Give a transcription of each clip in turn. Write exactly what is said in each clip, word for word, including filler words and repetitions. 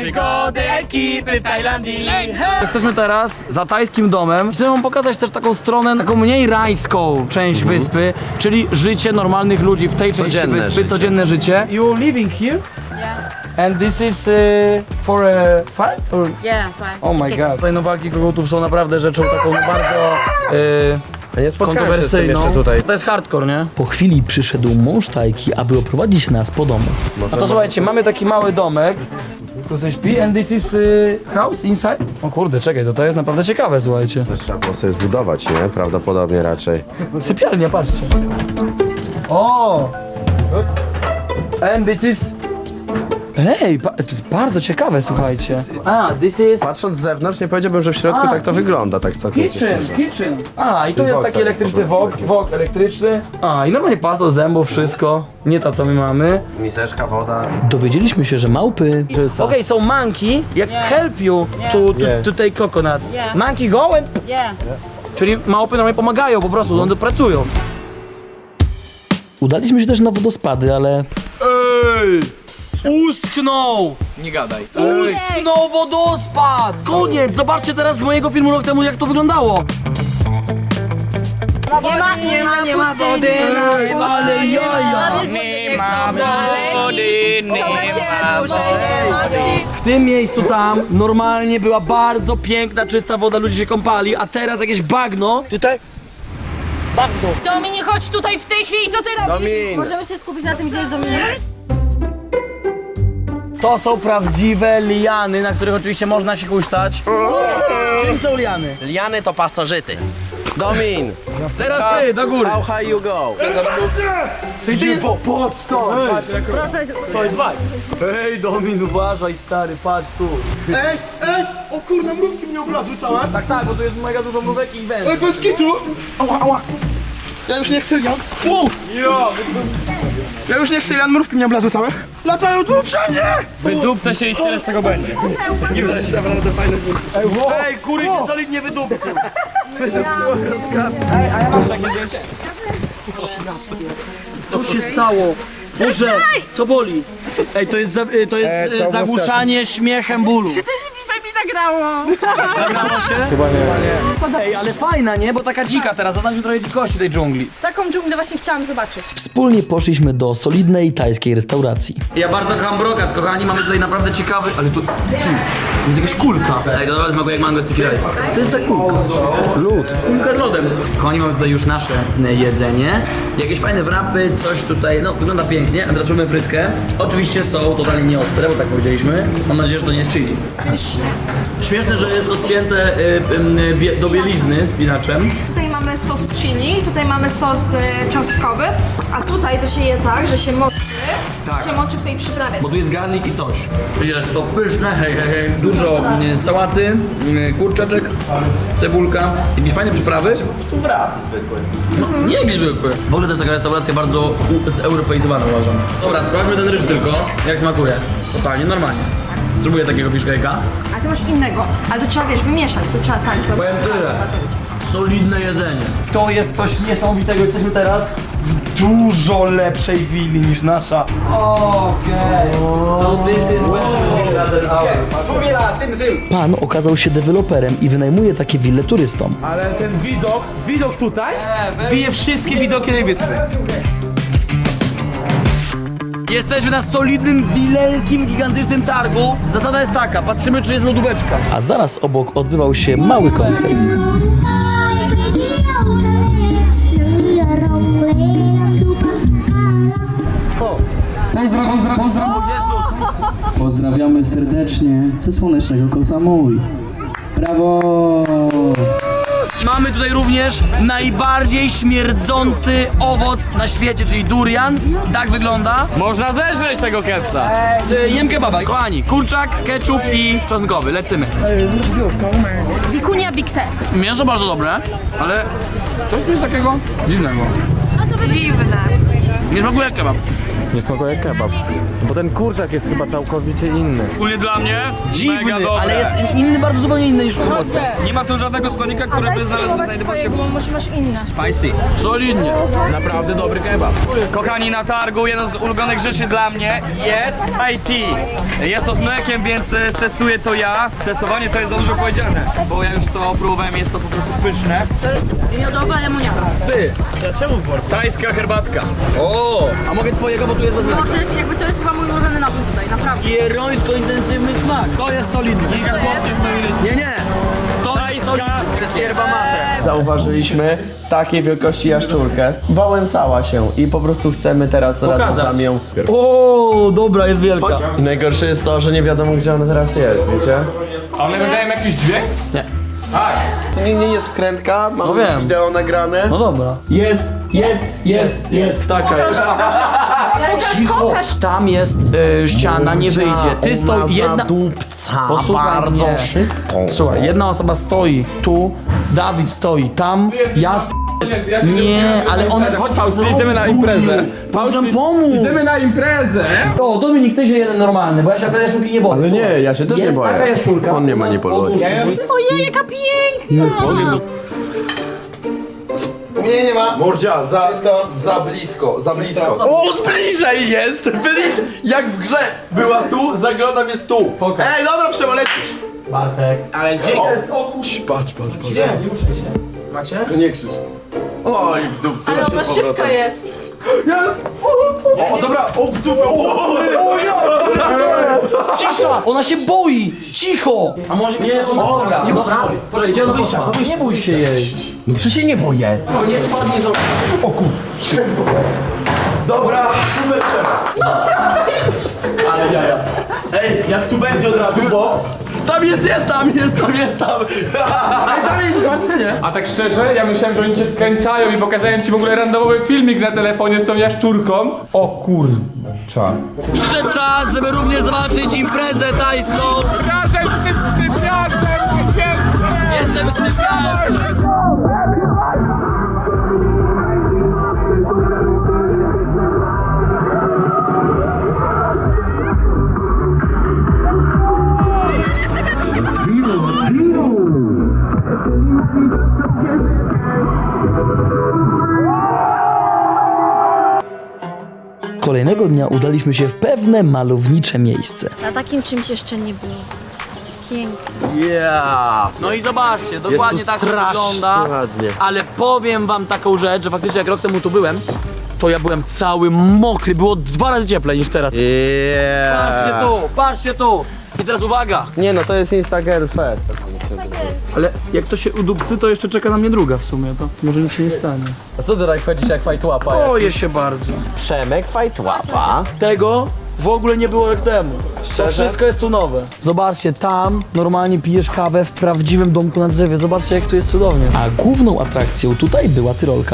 Przygody ekipy w Tajlandii. Jesteśmy teraz za tajskim domem. Chcę wam pokazać też taką stronę, taką mniej rajską część wyspy, czyli życie normalnych ludzi w tej części Codzienne wyspy, życie. codzienne życie. You living here? And this is uh, for a fight? Or... Yeah, fine. Oh my god. Tutaj no walki kogutów są naprawdę rzeczą taką bardzo A nie e, spotkałem się z tym kontrowersyjną. jeszcze tutaj. To jest hardcore, nie? Po chwili przyszedł mąż Tajki, aby oprowadzić nas po domu. A to słuchajcie, mamy taki mały domek. Tu sobie śpi, and this is uh, house inside? O kurde, czekaj, to to jest naprawdę ciekawe, słuchajcie. To trzeba było sobie zbudować, nie? Prawdopodobnie raczej. Sypialnia, patrzcie. O! And this is... Ej, pa- to jest bardzo ciekawe, słuchajcie. A, this is... Patrząc z zewnątrz nie powiedziałbym, że w środku A, tak to wygląda, tak całkowicie Kitchen, szczerze. kitchen. A, i tu jest wok taki taki elektryczny po prostu wok, taki. wok elektryczny. A, i normalnie pasta do zębów, wszystko. Nie ta, co my mamy. Miseczka, woda. Dowiedzieliśmy się, że małpy... Okej, so monkey, jak help you to, to, Yeah. to take coconuts. Yeah. Monkey go and... Yeah. Czyli małpy normalnie pomagają po prostu, one pracują. Udaliśmy się też na wodospady, ale Ej! Uschnął! Nie gadaj. Uschnął wodospad! Koniec! Zobaczcie teraz z mojego filmu rok temu, jak to wyglądało. Nie ma, nie ma, nie ma wody. Ale jaja! Nie ma wody, nie ma wody. W tym miejscu tam normalnie była bardzo piękna, czysta woda, ludzie się kąpali, a teraz jakieś bagno. Dominik, chodź tutaj w tej chwili, co ty robisz? Domin! Możemy się skupić na tym, gdzie jest Dominik? To są prawdziwe liany, na których oczywiście można się huśtać. Czym są liany? Liany to pasożyty. Domin! Teraz ty, do góry. How high you go? Czyli ty... Po, patrz to! Proszę. To jest waj. Ej, Domin, uważaj, stary, patrz tu. Ej, ej! O kurna, mrówki mnie oblazły całe! Tak, tak, bo tu jest mega dużo mrówek i węży. Ej, bez kitu! Ała, ała! Ja już nie chcę, ja... Ja już nie chcę, Jan, mrówki mnie oblazły całe! Latają tu wszędzie! Wydupca się i tyle z tego będzie. Ej, kury się solidnie wydupcy. Co się stało? Boże, co boli? Ej, to jest, za, y, to jest y, zagłuszanie śmiechem bólu. Nagrało się? Chyba nie. Ej, ale fajna, nie? Bo taka dzika teraz, zaznacza trochę dzikości tej dżungli. Taką dżunglę właśnie chciałam zobaczyć. wspólnie poszliśmy do solidnej tajskiej restauracji. Ja bardzo kocham brokat, kochani, mamy tutaj naprawdę ciekawy... Ale tu... tu jest jakaś kulka. Ej, to naprawdę smakuje jak mango sticky rice. Co to jest za kulka? Lód. Kulka z lodem. Kochani, mamy tutaj już nasze e, jedzenie. Jakieś fajne wrapy, coś tutaj, no wygląda pięknie. A teraz robimy frytkę. Oczywiście są totalnie nieostre, bo tak powiedzieliśmy. Mam nadzieję, że to nie jest chili. Śmieszne, że jest to spięte y, y, bie, do bielizny spinaczem. Tutaj mamy sos chili, tutaj mamy sos y, czosnkowy, a tutaj to się je tak, że się moczy, Tak. się moczy w tej przyprawie. Bo tu jest garnik i coś. Jest to pyszne, hej, hej, hej. Dużo y, sałaty, y, kurczaczek, cebulka, jakieś fajne przyprawy. Po prostu wrap zwykły. No, nie jakiś zwykły. W ogóle to jest taka restauracja bardzo u- zeuropeizowana, uważam. Dobra, sprawdźmy ten ryż tylko, jak smakuje. Totalnie, normalnie. Spróbuję takiego fiszkejka. A ty masz innego, ale to trzeba, wiesz, wymieszać, to trzeba tak zrobić. Powiem tyle. Solidne jedzenie. To jest coś niesamowitego. Jesteśmy teraz w dużo lepszej willi niż nasza. Okej. So this is better villa than ours. Villa, tym, tym. Pan okazał się deweloperem i wynajmuje takie wille turystom. Ale ten widok, widok tutaj bije wszystkie widoki tej wyspy. Jesteśmy na solidnym, wielkim, gigantycznym targu. Zasada jest taka, patrzymy czy jest lodóweczka. A zaraz obok odbywał się mały koncert. Pozdrawiamy serdecznie ze słonecznego Koh Samui. Brawo! Mamy tutaj również najbardziej śmierdzący owoc na świecie, czyli durian. Tak wygląda. Można zeżreć tego kepsa. E, Jem kebaba, kochani. Kurczak, ketchup i czosnkowy. Lecimy. Wikunia Big Test. Mięso bardzo dobre, ale coś tu jest takiego dziwnego. Dziwne. Nie smakuje jak kebab. Nie smakuje jak kebab. Bo ten kurczak jest chyba całkowicie inny. Ogólnie dla mnie mega Dziwny, dobre. ale jest inny, bardzo zupełnie inny niż u was. Nie ma tu żadnego składnika, który Daj by znalazł spróbować znajdował się swojego, bo może masz inne. spicy. Solidnie. Naprawdę dobry kebab. Kochani, na targu jedną z ulubionych rzeczy dla mnie jest I T. Jest to z mlekiem, więc e, stestuję to ja. Stestowanie to jest za dużo powiedziane, bo ja już to próbowałem, jest to po prostu pyszne. Miodowa lemoniada. Ty, Tajska herbatka. o, a mogę twojego, bo tu jest bez mleka. Możesz, jakby to jest chyba mój ulubiony napój tutaj, naprawdę. Jerońsko intensywny smak. To jest solidne. Giga słodkie, solidne. Nie, nie. Tajska. Zauważyliśmy takiej wielkości jaszczurkę. Wałęsała się i po prostu chcemy teraz razem z nami ją... O, dobra, jest wielka. I najgorsze jest to, że nie wiadomo gdzie ona teraz jest, wiecie? A one wydają jakiś dźwięk? Nie. Tak. To nie, nie jest wkrętka, mamy No wiem. wideo nagrane. No dobra. Jest, jest, jest, jest, taka jest. Cicho. Tam jest y, ściana, nie wyjdzie. Ty stoi, jedna... Dupca, Posłuchaj bardzo mnie. szybko. Słuchaj, jedna osoba stoi tu, Dawid stoi tam, ja st... Nie, ale on... Chodź Fausty, idziemy na imprezę. Możemy pomóc. Idziemy na imprezę. O, Dominik, ty się jeden normalny, bo ja się naprawdę jaszczurki nie boję. Ale nie, ja się też nie Jest boję. taka jaszczurka. On mnie u nas manipuluje. pod Ojej, jaka piękna! Nie, nie ma. Mordzia, za, za blisko, za blisko. O, bliżej jest! Bliżej! Jak w grze była tu, zaglądam jest tu. Ej, dobra, przewalecisz. Bartek. Ale gdzie jest? O kuś, patrz, patrz, patrz. Gdzie? Nie muszę się. Macie? To nie krzycz. Oj, w dupce. Ale masz ona z powrotem. szybka jest. Jest! O, dobra, o, w dupę. O, Cisza! Ona się boi! Cicho! A może nie, ona... Dobra, nie dobra. Proszę, idzie do wyjścia. Nie bój się jej. no przecież się nie boję. No nie spadnie z okna. O kur... Dobra, super trzeba. Ale jaja. Ej, jak tu będzie od razu, bo... Tam jest, jest, tam jest, tam jest, tam. Ale dalej jest otwarte, nie? A tak szczerze, ja myślałem, że oni cię wkręcają i pokazują ci w ogóle randomowy filmik na telefonie z tą jaszczurką. O kurcza. Przyszedł czas, żeby również zobaczyć imprezę tajską. Razem z stypiarzem, Jestem stypiarzem. Kolejnego dnia udaliśmy się w pewne malownicze miejsce. Na takim czymś jeszcze nie było. Pięknie. Yeah. No i zobaczcie, dokładnie Jest tu tak to strasznie wygląda. ładnie. Ale powiem wam taką rzecz, że faktycznie jak rok temu tu byłem, to ja byłem cały mokry, było dwa razy cieplej niż teraz. Yeah. Patrzcie tu, patrzcie tu! I teraz uwaga! Nie no, to jest Instagram Fest. Ale jak to się udupcy, to jeszcze czeka na mnie druga w sumie, to może nic się nie stanie. A co ty tak chodzisz jak fajtłapa? Boję się bardzo. Przemek fajtłapa. Tego w ogóle nie było rok temu. To Szczerze? wszystko jest tu nowe. Zobaczcie, tam normalnie pijesz kawę w prawdziwym domku na drzewie. Zobaczcie, jak tu jest cudownie. A główną atrakcją tutaj była Tyrolka.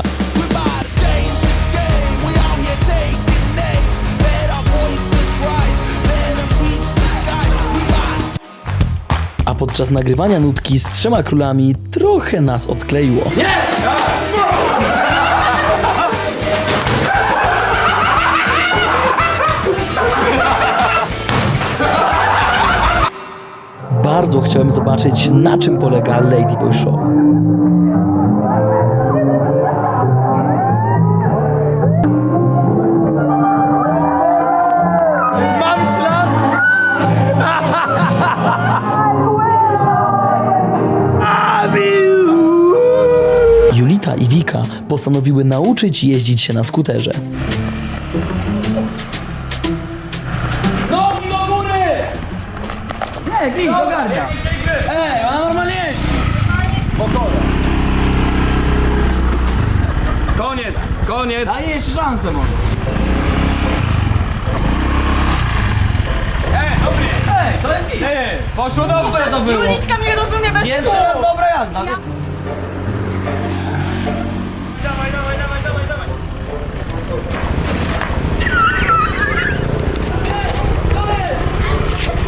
A podczas nagrywania nutki z Trzema Królami trochę nas odkleiło. Bardzo chciałem zobaczyć, na czym polega Ladyboy Show. Mam ślad! Julita i Wika postanowiły nauczyć jeździć się na skuterze. Nogi do góry! Nie, Wik, ogarnia. Ej, ona normalnie jest. Koniec, koniec. Daję jeszcze szansę może. Ej, dobry. Ej, to jest git. Ej, poszło dobrze. To było. Julitka mnie rozumie bez Pierwszy słów. raz dobra jazda. Dawaj, dawaj, dawaj, dawaj, dawaj.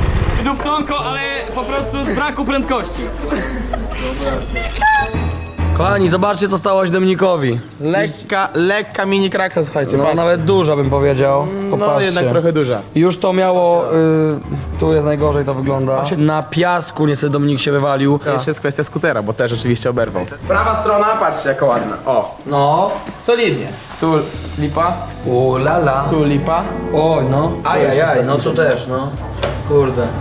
Dupconko, ale po prostu z braku prędkości. Kochani, zobaczcie co stało się Dominikowi. Lekka, lekka mini kraksa, słuchajcie, No patrzcie. nawet duża bym powiedział. No Popatrzcie. jednak trochę duża. Już to miało, y, tu jest najgorzej to wygląda. Na piasku niestety Dominik się wywalił. Jeszcze jest kwestia skutera, bo też oczywiście oberwał. Prawa strona, patrzcie jaka ładna. O, No. solidnie. Tu lipa, U lala. tu lipa. Oj no. Ajajaj, no tu też no. Kurde.